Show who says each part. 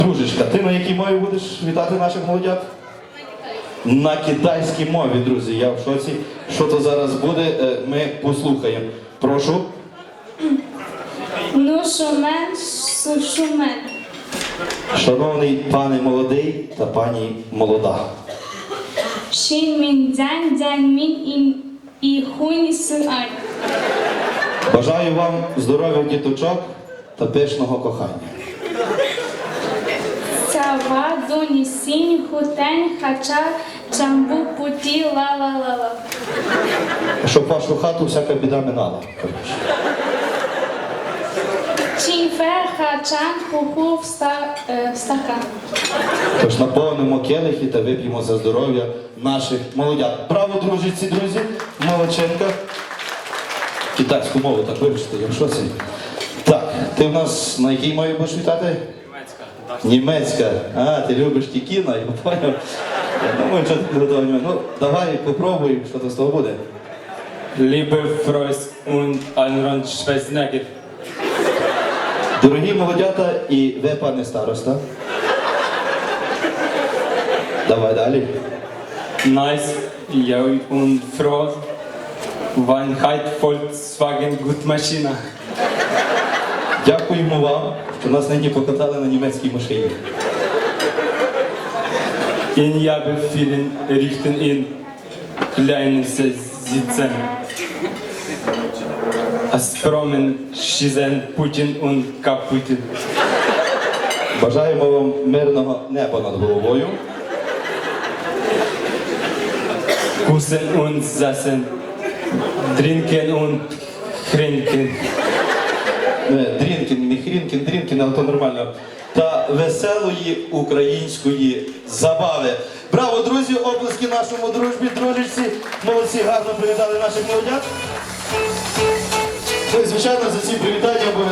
Speaker 1: Дружечка, ти на якій мові будеш вітати наших молодят? На китайській мові, друзі. Я в шоці. Що то зараз буде, ми послухаємо. Прошу.
Speaker 2: Ну, шумен, шумен.
Speaker 1: Шановний пане молодий та пані молода.
Speaker 2: Шін мін дзянь, дзянь мін і хунь син ай.
Speaker 1: Бажаю вам здоров'я діточок та пишного кохання.
Speaker 2: Цява, дуні, сінь, хутень, хача, чамбу, путі, ла-ла-ла-ла.
Speaker 1: Щоб вашу хату всяка біда минала.
Speaker 2: Чінфер, хачан, хуху, стакан.
Speaker 1: Тож наповнимо келихи та вип'ємо за здоров'я наших молодят. Браво, дружиці, друзі! Молодченка. Китайську мову так вивчити, я в шоці. Так, ти в нас на якій мові будеш вітати?
Speaker 3: Німецька.
Speaker 1: Німецька. А, ти любиш ті кіно, я поняв. Я думаю, що ти готовий. Ну, давай попробуй, що то з того буде.
Speaker 3: Liebe Freunde und Allen Schwestern.
Speaker 1: Дорогі молодята і ви, пане староста. Давай далі.
Speaker 3: Nice, jung und froh. Weinheit Volkswagen Gut Maschine.
Speaker 1: Дякуємо вам, що нас нині покатали на німецькій машині.
Speaker 3: In Jabe vielen richten in kleinen Sitzen. Aspromen schießen Putin und kaputt.
Speaker 1: Бажаємо вам мирного неба над головою.
Speaker 3: Kussen und sassen. Trinken und trinken.
Speaker 1: Дрінкін, не хрінкін, дрінкін, але то нормально. Та веселої української забави. Браво, друзі, оплески нашому дружбі, дружечці. Молодці, гарно привітали наших молодят. Ну і, звичайно, за ці привітання обов'язково.